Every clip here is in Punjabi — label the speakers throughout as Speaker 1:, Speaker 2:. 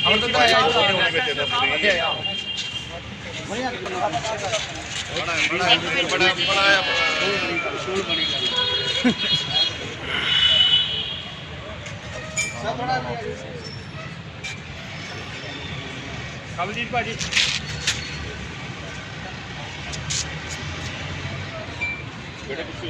Speaker 1: कमलजीत भाजी बेटे कुछ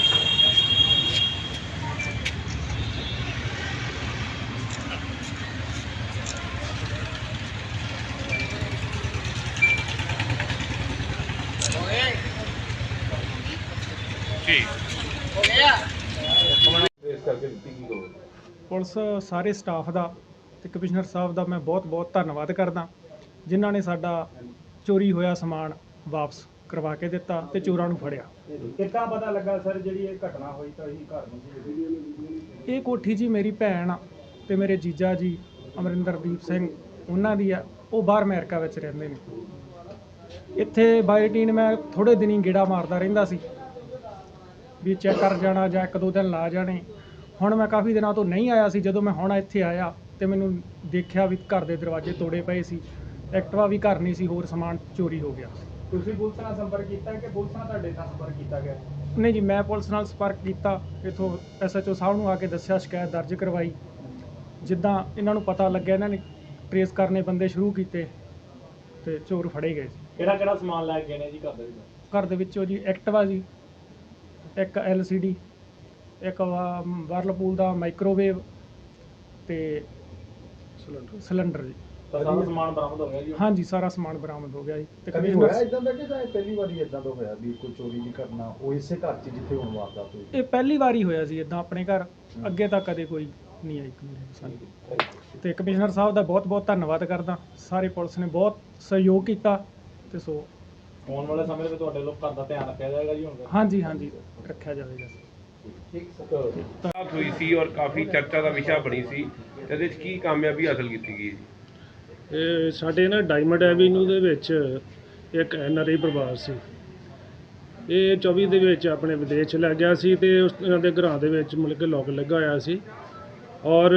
Speaker 2: ਪੁਲਿਸ ਸਾਰੇ ਸਟਾਫ ਦਾ ਤੇ ਕਮਿਸ਼ਨਰ ਸਾਹਿਬ ਦਾ ਮੈਂ ਬਹੁਤ ਧੰਨਵਾਦ ਕਰਦਾ ਜਿਨ੍ਹਾਂ ਨੇ ਸਾਡਾ ਚੋਰੀ ਹੋਇਆ ਸਮਾਨ ਵਾਪਸ ਕਰਵਾ ਕੇ ਦਿੱਤਾ ਤੇ ਚੋਰਾਂ ਨੂੰ ਫੜਿਆ।
Speaker 1: ਕਿੱਦਾਂ ਪਤਾ ਲੱਗਾ ਸਰ ਜਿਹੜੀ ਇਹ ਘਟਨਾ ਹੋਈ ਤਾਂ ਅਸੀਂ ਘਰ ਨੂੰ ਸੀ?
Speaker 2: ਇਹ ਕੋਠੀ ਜੀ ਮੇਰੀ ਭੈਣ ਤੇ ਮੇਰੇ ਜੀਜਾ ਜੀ ਅਮਰਿੰਦਰਦੀਪ ਸਿੰਘ ਉਹਨਾਂ ਦੀ ਆ, ਉਹ ਬਾਹਰ ਅਮਰੀਕਾ ਵਿੱਚ ਰਹਿੰਦੇ ਨੇ। ਇੱਥੇ ਬਾਈਟੀਨ ਮੈਂ ਥੋੜੇ ਦਿਨੀ ਗੇੜਾ ਮਾਰਦਾ ਰਹਿੰਦਾ ਸੀ ਵੀ ਚੈੱਕ ਕਰ ਜਾਣਾ ਜਾਂ ਇੱਕ ਦੋ ਦਿਨ ਲਾ ਜਾਣੇ। ਹੁਣ ਮੈਂ ਕਾਫੀ ਦਿਨਾਂ ਤੋਂ ਨਹੀਂ ਆਇਆ ਸੀ, ਜਦੋਂ ਮੈਂ ਹੁਣ ਇੱਥੇ ਆਇਆ ਤੇ ਮੈਨੂੰ ਦੇਖਿਆ ਵੀ ਘਰ ਦੇ ਦਰਵਾਜ਼ੇ ਤੋੜੇ ਪਏ ਸੀ, ਐਕਟਿਵਾ ਵੀ ਘਰ ਨਹੀਂ ਸੀ, ਹੋਰ ਸਮਾਨ ਚੋਰੀ ਹੋ ਗਿਆ।
Speaker 1: ਤੁਸੀਂ ਪੁਲਿਸ ਨਾਲ ਸੰਪਰਕ ਕੀਤਾ ਕਿ ਪੁਲਿਸ ਨਾਲ ਤੁਹਾਡੇ ਨਾਲ ਸੰਪਰਕ ਕੀਤਾ ਗਿਆ?
Speaker 2: ਨਹੀਂ ਜੀ, ਮੈਂ ਪੁਲਿਸ ਨਾਲ ਸੰਪਰਕ ਕੀਤਾ, ਇੱਥੋਂ SHO ਸਾਹਿਬ ਨੂੰ ਆ ਕੇ ਦੱਸਿਆ, ਸ਼ਿਕਾਇਤ ਦਰਜ ਕਰਵਾਈ। ਜਿੱਦਾਂ ਇਹਨਾਂ ਨੂੰ ਪਤਾ ਲੱਗਿਆ ਇਹਨਾਂ ਨੇ ਟਰੇਸ ਕਰਨੇ ਬੰਦੇ ਸ਼ੁਰੂ ਕੀਤੇ ਤੇ ਚੋਰ ਫੜੇ ਗਏ ਸੀ।
Speaker 1: ਕਿਹੜਾ ਸਮਾਨ ਲੈ ਕੇ ਗਏ ਨੇ ਜੀ ਘਰ ਦੇ ਵਿੱਚ?
Speaker 2: ਘਰ ਦੇ ਵਿੱਚੋਂ ਜੀ ਐਕਟਿਵਾ ਜੀ, ਇੱਕ LCD, ਇੱਕ ਵਰਲਪੂਲ ਦਾ ਮਾਈਕ੍ਰੋਵੇਵ ਤੇ ਸਿਲੰਡਰ ਜੀ।
Speaker 1: ਸਾਰਾ ਸਮਾਨ ਬਰਾਮਦ ਹੋ ਗਿਆ ਜੀ?
Speaker 2: ਹਾਂਜੀ, ਸਾਰਾ ਸਮਾਨ ਬਰਾਮਦ ਹੋ ਗਿਆ ਜੀ।
Speaker 3: ਤੇ ਕਦੇ ਹੋਇਆ ਇਦਾਂ ਦਾ ਕਿ ਜਾਂ ਪਹਿਲੀ ਵਾਰੀ ਇਦਾਂ ਦਾ ਹੋਇਆ ਵੀ ਕੋਈ ਚੋਰੀ ਦੀ ਘਟਨਾ ਉਹ ਇਸੇ ਘਰ 'ਚ ਜਿੱਥੇ ਹੁਣ ਵਾਰਦਾਤ ਹੋਈ?
Speaker 2: ਇਹ ਪਹਿਲੀ ਵਾਰੀ ਹੋਇਆ ਸੀ ਇਦਾਂ ਆਪਣੇ ਘਰ, ਅੱਗੇ ਤਾਂ ਕਦੇ ਕੋਈ ਨਹੀਂ ਆਈ ਸਾਨੂੰ। ਤੇ ਕਮਿਸ਼ਨਰ ਸਾਹਿਬ ਦਾ ਬਹੁਤ ਧੰਨਵਾਦ ਕਰਦਾ, ਸਾਰੇ ਪੁਲਿਸ ਨੇ ਬਹੁਤ ਸਹਿਯੋਗ ਕੀਤਾ ਤੇ ਸੋ
Speaker 1: ਆਉਣ ਵਾਲੇ ਸਮੇਂ ਵਿੱਚ ਤੁਹਾਡੇ ਲੋਕ ਘਰ ਦਾ ਧਿਆਨ ਰੱਖਿਆ ਜਾਏਗਾ ਜੀ ਹੁਣ?
Speaker 2: ਹਾਂਜੀ ਰੱਖਿਆ ਜਾਵੇਗਾ।
Speaker 4: ਬਾਤ ਹੋਈ ਸੀ ਔਰ ਕਾਫੀ ਚਰਚਾ ਦਾ ਵਿਸ਼ਾ ਬਣੀ ਸੀ, ਇਹਦੇ ਵਿੱਚ ਕੀ ਕਾਮਯਾਬੀ ਹਾਸਲ ਕੀਤੀ ਗਈ?
Speaker 5: ਇਹ ਸਾਡੇ ਨਾ ਡਾਇਮੰਡ ਐਵੀਨਿਊ ਦੇ ਵਿੱਚ ਇੱਕ NRI ਪਰਿਵਾਰ ਸੀ। ਇਹ 24 ਦੇ ਵਿੱਚ ਆਪਣੇ ਵਿਦੇਸ਼ ਲੈ ਗਿਆ ਸੀ ਤੇ ਇਹਨਾਂ ਦੇ ਘਰਾਂ ਦੇ ਵਿੱਚ ਮਤਲਬ ਕਿ ਲੋਕ ਲੱਗਾ ਹੋਇਆ ਸੀ ਔਰ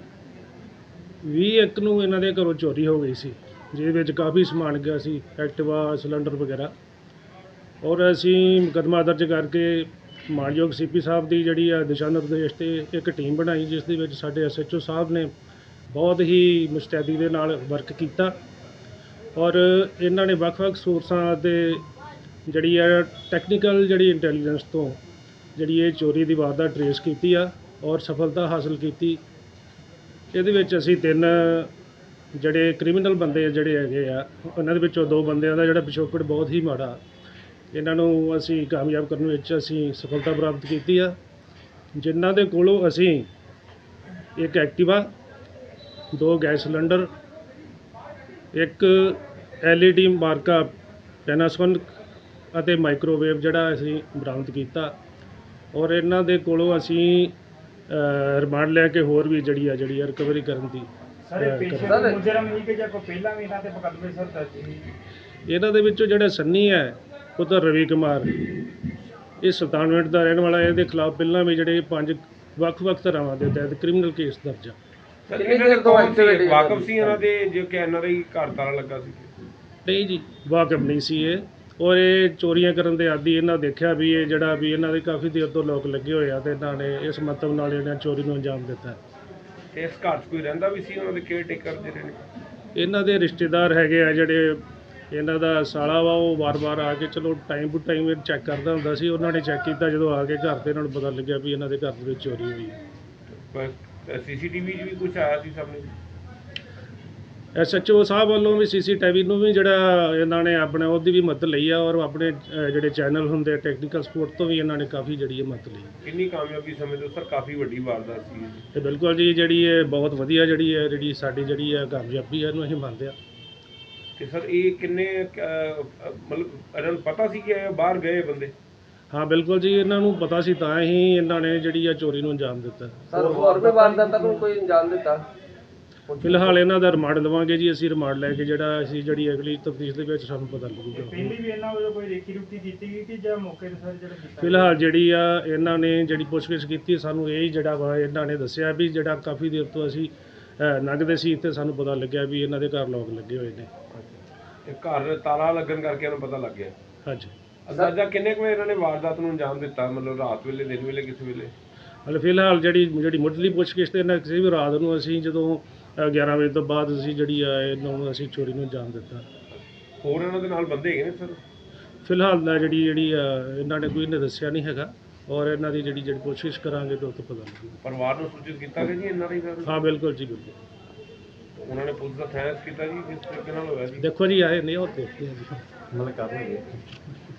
Speaker 5: 21 ਨੂੰ ਇਹਨਾਂ ਦੇ ਘਰੋਂ ਚੋਰੀ ਹੋ ਗਈ ਸੀ, ਜਿਹਦੇ ਵਿੱਚ ਕਾਫੀ ਸਮਾਨ ਗਿਆ ਸੀ, ਐਕਟਿਵਾ, ਸਿਲੰਡਰ ਵਗੈਰਾ। ਔਰ ਅਸੀਂ ਮੁਕੱਦਮਾ ਦਰਜ ਕਰਕੇ ਮਾਨਯੋਗ CP ਸਾਹਿਬ ਦੀ ਜਿਹੜੀ ਆ ਦਿਸ਼ਾ ਨਿਰਦੇਸ਼ ਤੇ ਇੱਕ ਟੀਮ ਬਣਾਈ, ਜਿਸ ਦੇ ਵਿੱਚ ਸਾਡੇ SHO ਸਾਹਿਬ ਨੇ ਬਹੁਤ ਹੀ ਮੁਸਤੈਦੀ ਦੇ ਨਾਲ ਵਰਕ ਕੀਤਾ ਔਰ ਇਹਨਾਂ ਨੇ ਵੱਖ-ਵੱਖ ਸੋਰਸਾਂ ਦੇ ਜਿਹੜੀ ਆ ਟੈਕਨੀਕਲ ਜਿਹੜੀ ਇੰਟੈਲੀਜੈਂਸ ਤੋਂ ਜਿਹੜੀ ਇਹ ਚੋਰੀ ਦੀ ਵਾਰਦਾਤ ਟਰੇਸ ਕੀਤੀ ਆ ਔਰ ਸਫਲਤਾ ਹਾਸਲ ਕੀਤੀ। ਇਹਦੇ ਵਿੱਚ ਅਸੀਂ 3 ਜਿਹੜੇ ਕ੍ਰਿਮੀਨਲ ਬੰਦੇ ਜਿਹੜੇ ਹੈਗੇ ਆ, ਉਹਨਾਂ ਦੇ ਵਿੱਚੋਂ 2 ਬੰਦਿਆਂ ਦਾ ਜਿਹੜਾ ਪਿਛੋਕੜ ਬਹੁਤ ਹੀ ਮਾੜਾ, ਇਹਨਾਂ ਨੂੰ ਅਸੀਂ ਕਾਮਯਾਬ ਕਰਨ ਵਿੱਚ ਅਸੀਂ ਸਫਲਤਾ ਪ੍ਰਾਪਤ ਕੀਤੀ ਆ, ਜਿਨ੍ਹਾਂ ਦੇ ਕੋਲੋਂ ਅਸੀਂ ਇੱਕ ਐਕਟਿਵਾ, 2 ਗੈਸ ਸਿਲੰਡਰ, ਇੱਕ LED ਮਾਰਕਾ ਪੈਨਾਸੋਨਿਕ ਅਤੇ ਮਾਈਕ੍ਰੋਵੇਵ ਜਿਹੜਾ ਅਸੀਂ ਬਰਾਮਦ ਕੀਤਾ ਔਰ ਇਹਨਾਂ ਦੇ ਕੋਲੋਂ ਅਸੀਂ ਰਿਮਾਂਡ ਲੈ ਕੇ ਹੋਰ ਵੀ ਜਿਹੜੀ ਆ ਰਿਕਵਰੀ ਕਰਨ ਦੀ।
Speaker 1: ਮੁਜਰਮ ਹੀ ਕਿ ਜਾਂ ਕੋਈ ਪਹਿਲਾਂ ਵੀ ਇਹਨਾਂ ਤੇ ਮੁਕੱਦਮੇ ਸਰ ਦਰਜ ਸੀ?
Speaker 5: ਇਹਨਾਂ ਦੇ ਵਿੱਚੋਂ ਜਿਹੜਾ ਸੰਨੀ ਹੈ ਉਹ ਤਾਂ ਰਵੀ ਕੁਮਾਰ, ਇਹ ਸੁਲਤਾਨਵਿੰਡ ਦਾ ਰਹਿਣ ਵਾਲਾ, ਇਹਦੇ ਖਿਲਾਫ ਪਹਿਲਾਂ ਵੀ ਜਿਹੜੇ 5 ਵੱਖ-ਵੱਖ ਧਾਰਾਵਾਂ ਦੇ ਤਹਿਤ ਕ੍ਰਿਮੀਨਲ ਕੇਸ ਦਰਜ ਆ।
Speaker 4: ਵਾਕਫ ਸੀ ਇਹਨਾਂ ਦੇ ਜੋ ਕਿ ਇਹਨਾਂ ਦਾ ਹੀ ਘਰ ਤਾਲਾ ਲੱਗਾ ਸੀ?
Speaker 5: ਨਹੀਂ ਜੀ, ਵਾਕਫ ਨਹੀਂ ਸੀ ਇਹ, ਔਰ ਇਹ ਚੋਰੀਆਂ ਕਰਨ ਦੇ ਆਦੀ। ਇਹਨਾਂ ਦੇਖਿਆ ਵੀ ਇਹ ਜਿਹੜਾ ਵੀ ਇਹਨਾਂ ਦੇ ਕਾਫੀ ਦੇਰ ਤੋਂ ਲੋਕ ਲੱਗੇ ਹੋਏ ਆ ਤੇ ਇਹਨਾਂ ਨੇ ਇਸ ਮਤਲਬ ਨਾਲ ਇਹਨਾਂ ਚੋਰੀ ਨੂੰ ਅੰਜਾਮ ਦਿੱਤਾ।
Speaker 4: ਇਸ ਘਰ 'ਚ ਕੋਈ ਰਹਿੰਦਾ ਵੀ ਸੀ ਉਹਨਾਂ ਦੇ ਕੇਅਰ ਟੇਕਰ ਜਿਹੜੇ ਨੇ?
Speaker 5: ਇਹਨਾਂ ਦੇ ਰਿਸ਼ਤੇਦਾਰ ਹੈਗੇ ਆ, ਜਿਹੜੇ ਇਹਨਾਂ ਦਾ ਸਾਲਾ ਵਾ, ਉਹ ਵਾਰ-ਵਾਰ ਆ ਕੇ ਚਲੋ ਟਾਈਮ ਟੂ ਟਾਈਮ ਚੈੱਕ ਕਰਦਾ ਹੁੰਦਾ ਸੀ। ਉਹਨਾਂ ਨੇ ਚੈੱਕ ਕੀਤਾ, ਜਦੋਂ ਆ ਕੇ ਘਰ ਤੇ ਇਹਨਾਂ ਨੂੰ ਪਤਾ ਲੱਗਿਆ ਵੀ ਇਹਨਾਂ ਦੇ ਘਰ ਦੇ ਵਿੱਚ ਚੋਰੀ ਹੋਈ ਹੈ।
Speaker 4: CCTV 'ਚ ਵੀ ਕੁਝ ਆਇਆ ਸੀ ਸਾਹਮਣੇ?
Speaker 5: SHO ਸਾਹਿਬ ਵੱਲੋਂ ਵੀ CCTV ਨੂੰ ਵੀ ਜਿਹੜਾ ਇਹਨਾਂ ਨੇ ਆਪਣੇ ਉਹਦੀ ਵੀ ਮਦਦ ਲਈ ਆ ਔਰ ਆਪਣੇ ਜਿਹੜੇ ਚੈਨਲ ਹੁੰਦੇ ਟੈਕਨੀਕਲ ਸਪੋਰਟ ਤੋਂ ਵੀ ਇਹਨਾਂ ਨੇ ਕਾਫੀ ਜਿਹੜੀ ਮਦਦ ਲਈ।
Speaker 4: ਕਿੰਨੀ ਕਾਮਯਾਬੀ ਸਮਝਦੇ ਹੋ ਸਰ? ਕਾਫੀ ਵੱਡੀ ਵਾਰਦਾਤ ਸੀ
Speaker 5: ਤੇ ਬਿਲਕੁਲ ਜੀ, ਜਿਹੜੀ ਇਹ ਬਹੁਤ ਵਧੀਆ ਜਿਹੜੀ ਸਾਡੀ ਜਿਹੜੀ ਹੈ ਕਾਮਯਾਬੀ ਹੈ, ਇਹਨੂੰ ਅਸੀਂ ਮੰਨਦੇ ਹਾਂ।
Speaker 4: ਤੇ ਸਰ ਇਹ ਕਿੰਨੇ ਮਤਲਬ ਇਹਨਾਂ ਨੂੰ ਪਤਾ ਸੀ ਕਿ ਇਹ ਬਾਹਰ ਗਏ ਬੰਦੇ?
Speaker 5: ਹਾਂ ਬਿਲਕੁਲ ਜੀ, ਇਹਨਾਂ ਨੂੰ ਪਤਾ ਸੀ ਤਾਂ ਹੀ ਇਹਨਾਂ ਨੇ ਜਿਹੜੀ ਆ ਚੋਰੀ ਨੂੰ ਅੰਜਾਮ ਦਿੱਤਾ।
Speaker 6: ਸਰ ਹੋਰ ਵੀ ਵਾਰਦਾਤਾਂ ਨੂੰ ਕੋਈ ਅੰਜਾਮ ਦਿੱਤਾ?
Speaker 5: ਫਿਲਹਾਲ ਇਹਨਾਂ ਦਾ ਰਿਮਾਂਡ ਦੇਵਾਂਗੇ ਜੀ ਅਸੀਂ, ਰਿਮਾਂਡ ਲੈ ਕੇ ਜਿਹੜੀ ਅਗਲੀ ਤਫਤੀਸ਼ ਦੇ ਵਿੱਚ ਸਾਨੂੰ ਪਤਾ ਲੱਗੂਗਾ।
Speaker 1: ਪਹਿਲੀ ਵੀ ਇਹਨਾਂ ਵੱਲੋਂ ਕੋਈ ਰੇਕੀ ਰੁਕੀ ਕੀਤੀ ਗਈ ਕਿ ਜਾਂ ਮੌਕੇ ਤੇ ਸਰ ਜਿਹੜਾ ਕੀਤਾ?
Speaker 5: ਫਿਲਹਾਲ ਜਿਹੜੀ ਆ ਇਹਨਾਂ ਨੇ ਜਿਹੜੀ ਪੁੱਛਗਿੱਛ ਕੀਤੀ, ਸਾਨੂੰ ਇਹ ਜਿਹੜਾ ਵਾ ਇਹਨਾਂ ਨੇ ਦੱਸਿਆ ਵੀ ਜਿਹੜਾ ਕਾਫੀ ਦੇਰ ਤੋਂ ਅਸੀਂ ਲੰਘਦੇ ਸੀ ਤੇ ਸਾਨੂੰ ਪਤਾ ਲੱਗਿਆ ਵੀ ਇਹਨਾਂ ਦੇ ਘਰ ਲੋਕ ਲੱਗੇ ਹੋਏ ਨੇ।
Speaker 4: ਤੇ ਘਰ ਤਾਲਾ ਲੱਗਣ ਕਰਕੇ ਇਹਨੂੰ ਪਤਾ ਲੱਗ ਗਿਆ।
Speaker 5: ਹਾਂਜੀ।
Speaker 4: ਅੰਦਾਜ਼ਾ ਕਿੰਨੇ ਕੁ ਵਜੇ ਇਹਨਾਂ ਨੇ ਵਾਰਦਾਤ ਨੂੰ ਅੰਜਾਮ ਦਿੱਤਾ, ਮਤਲਬ ਰਾਤ ਵੇਲੇ, ਦਿਨ ਵੇਲੇ, ਕਿਸ ਵੇਲੇ?
Speaker 5: ਹਾਲੇ ਫਿਲਹਾਲ ਜਿਹੜੀ ਮੁੱਢਲੀ ਪੁੱਛਗਿੱਛ ਤੇ ਇਹਨਾਂ ਕਿਸੇ ਵੀ ਰਾਤ ਨੂੰ ਅਸੀਂ ਜਦੋਂ 11 ਵਜੇ ਤੋਂ ਬਾਅਦ ਅਸੀਂ ਜਿਹੜੀ ਆ ਇਹਨੂੰ ਅਸੀਂ ਚੋਰੀ ਨੂੰ ਅੰਜਾਮ ਦਿੱਤਾ।
Speaker 4: ਹੋਰ ਇਹਨਾਂ ਦੇ ਨਾਲ ਬੰਦੇ ਹੈਗੇ ਨੇ ਸਰ?
Speaker 5: ਫਿਲਹਾਲ ਦਾ ਜਿਹੜੀ ਇਹਨਾਂ ਨੇ ਕੋਈ ਨੇ ਦੱਸਿਆ ਨਹੀਂ ਹੈਗਾ, ਔਰ ਇਹਨਾਂ ਦੀ ਜਿਹੜੀ ਪੁੱਛਗਿੱਛ ਕਰਾਂਗੇ ਤਾਂ ਉਹ ਤੋਂ ਪਤਾ ਲੱਗੇਗਾ।
Speaker 4: ਪਰਿਵਾਰ ਨੂੰ ਸੂਚਿਤ ਕੀਤਾ ਗਿਆ ਜੀ ਇਹਨਾਂ ਦੀ ਸਰ?
Speaker 5: ਹਾਂ ਬਿਲਕੁਲ ਜੀ, ਬਿਲਕੁਲ।
Speaker 4: ਉਹਨਾਂ ਨੇ ਪੁਲਿਸ ਦਾ ਥੈਂਕਸ ਕੀਤਾ ਜੀ, ਕਿਸ ਤਰੀਕੇ ਨਾਲ ਹੋਇਆ ਜੀ?
Speaker 5: ਦੇਖੋ ਜੀ ਆਏ ਨਹੀਂ, ਉਹ ਦੇਖਦੇ ਹਾਂ ਜੀ।
Speaker 3: ਮਤਲਬ ਕਰ ਰਹੇ